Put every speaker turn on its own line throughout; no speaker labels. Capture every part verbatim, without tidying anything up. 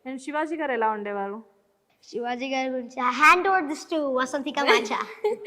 And Shivaji గారు ఎలా ఉండేవారు?
శివాజీ గారి గురించి hand over this to Vasanthika మాచా.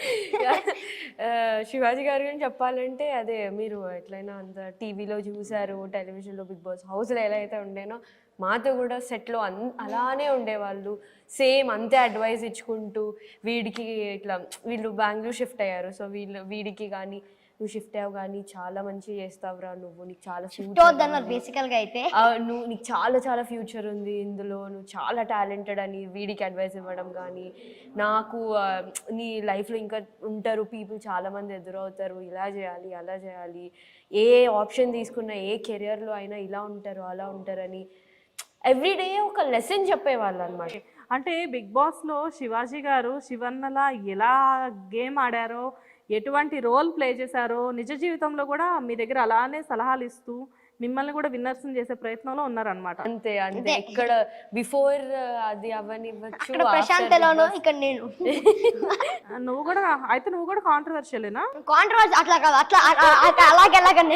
శివాజీ గారి గురించి చెప్పాలంటే అదే మీరు ఎట్లయినా అంత టీవీలో చూసారు, టెలివిజన్లో బిగ్ బాస్ హౌస్లో ఎలా అయితే ఉండేనో మాతో కూడా సెట్లో అన్ అలానే ఉండేవాళ్ళు. సేమ్ అంతే అడ్వైస్ ఇచ్చుకుంటూ వీడికి ఇట్లా వీళ్ళు బెంగళూరు షిఫ్ట్ అయ్యారు. సో వీళ్ళు వీడికి కానీ నువ్వు షిఫ్ట్ అయ్యావు కానీ చాలా మంచిగా చేస్తావురా నువ్వు, నీకు చాలా ఫ్యూచర్
బేసికల్గా అయితే
నువ్వు నీకు చాలా చాలా ఫ్యూచర్ ఉంది ఇందులో, నువ్వు చాలా టాలెంటెడ్ అని వీడికి అడ్వైస్ ఇవ్వడం కానీ, నాకు నీ లైఫ్లో ఇంకా ఉంటారు పీపుల్ చాలామంది ఎదురవుతారు, ఇలా చేయాలి అలా చేయాలి, ఏ ఆప్షన్ తీసుకున్నా ఏ కెరియర్లో అయినా ఇలా ఉంటారు అలా ఉంటారని ఎవ్రీడే ఒక లెసన్ చెప్పేవాళ్ళు అనమాట.
అంటే బిగ్ బాస్లో శివాజీ గారు శివన్నలా ఎలా గేమ్ ఆడారో, ఎటువంటి రోల్ ప్లే చేశారో, నిజ జీవితంలో కూడా మీ దగ్గర అలానే సలహాలు ఇస్తూ మిమ్మల్ని కూడా విన్నర్స్ చేసే ప్రయత్నంలో ఉన్నారనమాట.
అంతే అంతే ఇక్కడ బిఫోర్ అది అవనివ్వచ్చు,
ప్రశాంత్ ఎలానో ఇక్కడ నేను.
నువ్వు కూడా అయితే నువ్వు కూడా కాంట్రవర్షియలేనా?
కాంట్రవర్సీ అట్లా కాదు, అట్లా అలాగే అలాగనే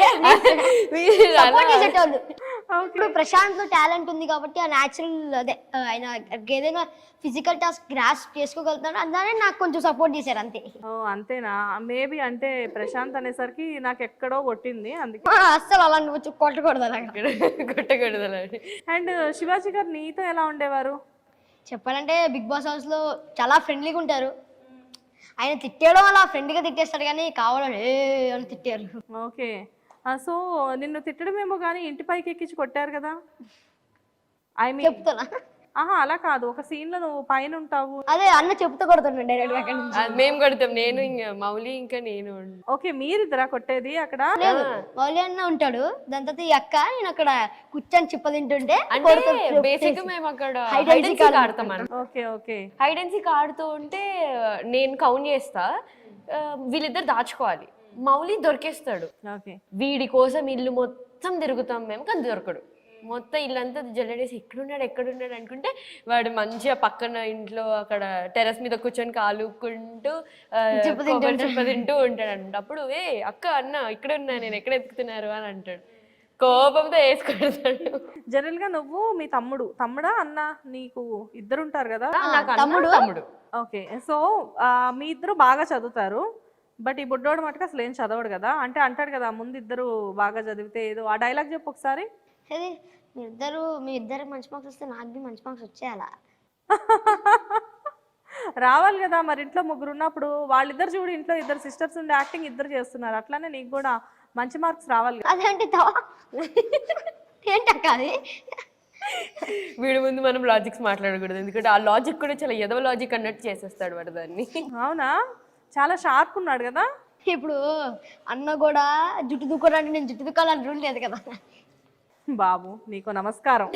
ఇప్పుడు ప్రశాంత్ లో టాలెంట్ ఉంది కాబట్టి ఆ న్యాచురల్ అదే ఆయన ఏదైనా ఫిజికల్ టాస్క్ గ్రాస్ప్ చేసుకోగలుగుతాడు, అందుకనే నాకు కొంచెం సపోర్ట్ చేశారు అంతే.
ఓ అంతేనా? మేబీ అంటే ప్రశాంత్ అనేసరికి నాకు ఎక్కడో కొట్టింది, అందుకే
అస్సలు అలా నువ్వు కొట్టకూడదు అలా
కొట్టకూడదు.
అండ్ శివాజీ గారు నీతో ఎలా ఉండేవారు?
చెప్పాలంటే బిగ్ బాస్ హౌస్ లో చాలా ఫ్రెండ్లీగా ఉంటారు. ఆయన తిట్టేయడం అలా ఫ్రెండ్గా తిట్టేస్తాడు కానీ కావాలని ఏ అని తిట్టారు.
ఓకే, సో నిన్ను తిట్టడమేమో కానీ ఇంటి పైకి ఎక్కించి కొట్టారు కదా? ఐ మీన్
చెప్తున్నా.
ఆహా అలా కాదు, ఒక సీన్ లో నువ్వు పైన ఉంటావు.
అదే అన్న చెప్తూ కొడుతున్నాడు డైరెక్ట్ అక్కడ నుంచి.
మేము కొడతాం, నేను ఇంకా మౌలి ఇంకా నేను.
ఓకే, మీరిద్దరా కొట్టేది అక్కడ?
లేదు, మౌలి అన్న ఉంటాడు, దాని తర్వాత ఈ అక్క నేను అక్కడ కూర్చొని చిప్ప తింటుంటే
బేసిక్ మేము అక్కడ
హైడ్ అండ్ సీక్
ఆడతాం.
Okay okay
hide and seek ఆడుతూ ఉంటే నేను కౌంట్ చేస్తా, వీళ్ళిద్దరు దాచుకోవాలి, మౌలి దొరికేస్తాడు. వీడి కోసం ఇల్లు మొత్తం తిరుగుతాం మేము, కానీ దొరకడు. మొత్తం ఇల్లంతా జల్లడేసి ఎక్కడున్నాడు ఎక్కడున్నాడు అనుకుంటే వాడు మంచిగా పక్కన ఇంట్లో అక్కడ టెర్రస్ మీద కూర్చొని కాలుకుంటూ తింటూ ఉంటాడు అనమాట. అప్పుడు ఏ అక్క అన్న ఇక్కడ ఉన్నా నేను ఎక్కడ ఎత్తుకుతున్నారు అని అంటాడు, కోపంతో వేసుకుంటాడు.
జనరల్ గా నువ్వు మీ తమ్ముడు తమ్ముడా అన్న నీకు ఇద్దరు ఉంటారు కదా?
తమ్ముడు తమ్ముడు
ఓకే, సో మీ ఇద్దరు బాగా చదువుతారు, బట్ ఈ బుడ్డోడు మటుకు అసలు ఏం చదవడు కదా? అంటే అంటాడు కదా ముందు ఇద్దరు బాగా చదివితే ఏదో, ఆ డైలాగ్ చెప్పు ఒకసారి.
అదే మీ ఇద్దరు మీ ఇద్దరు మంచి మార్క్స్ వస్తే నాకు బి మంచి మార్క్స్ వచ్చేయాలా?
రావాలి కదా మరి, ఇంట్లో ముగ్గురు ఉన్నప్పుడు వాళ్ళిద్దరు చూడు, ఇంట్లో ఇద్దరు సిస్టర్స్ ఉండి యాక్టింగ్ ఇద్దరు చేస్తున్నారు, అట్లానే నీకు కూడా మంచి మార్క్స్ రావాలి కదా.
అదేంటి ఏంటక్క అది?
వీడి ముందు మనం లాజిక్స్ మాట్లాడకూడదు, ఎందుకంటే ఆ లాజిక్ కూడా చాలా ఎదవ లాజిక్ అన్నట్టు చేసేస్తాడు వాడు దాన్ని.
అవునా? చాలా షార్ప్ ఉన్నాడు కదా.
ఇప్పుడు అన్న కూడా జుట్టు దుక్కోడానికి నేను జుట్టు దుక్కాలని రూల్ లేదు కదా.
బాబు నీకు నమస్కారం.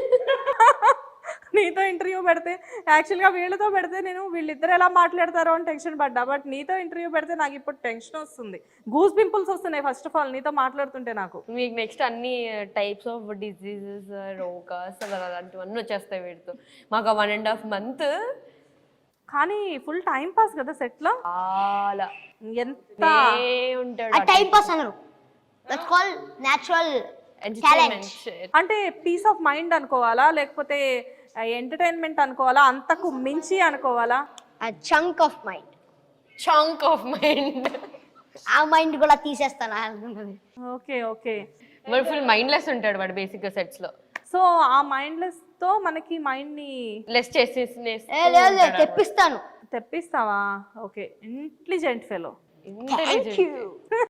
నీతో ఇంటర్వ్యూ పెడితే యాక్చువల్గా వీళ్ళతో పెడితే నేను వీళ్ళిద్దరు ఎలా మాట్లాడతారో అని టెన్షన్ పడ్డా, బట్ నీతో ఇంటర్వ్యూ పెడితే నాకు ఇప్పుడు టెన్షన్ వస్తుంది, గూస్ పింపుల్స్ వస్తున్నాయి ఫస్ట్ ఆఫ్ ఆల్ నీతో మాట్లాడుతుంటే. నాకు
మీకు నెక్స్ట్ అన్ని టైప్స్ ఆఫ్ డిసీజెస్ రోగాస్ అలాంటివన్నీ వచ్చేస్తాయి వీడితో. మాకు వన్ అండ్ హాఫ్ మంత్
కానీ ఫుల్ టైం పాస్ కదా సెట్ లో,
చాలా
ఎంత
ఉంటాడు.
టైం పాస్ అన్నారు, దట్స్ కాల్డ్ నేచురల్
ఎంటర్టైన్మెంట్.
అంటే పీస్ ఆఫ్ మైండ్ అనుకోవాలా లేకపోతే ఎంటర్టైన్మెంట్ అనుకోవాలా, అంతకు మించి అనుకోవాలా?
Chunk of mind.
Chunk of mind,
ఆ మైండ్ కూడా తీసేస్తాను.
ఓకే ఓకే,
వాడు ఫుల్ మైండ్లెస్ ఉంటాడు వాడు బేసిక్ గా సెట్స్ లో.
సో ఆ మైండ్లెస్ తో మనకి మైండ్ ని
లెస్ చేసి
తెప్పిస్తాను.
తెప్పిస్తావా? Okay, intelligent fellow.
Thank you.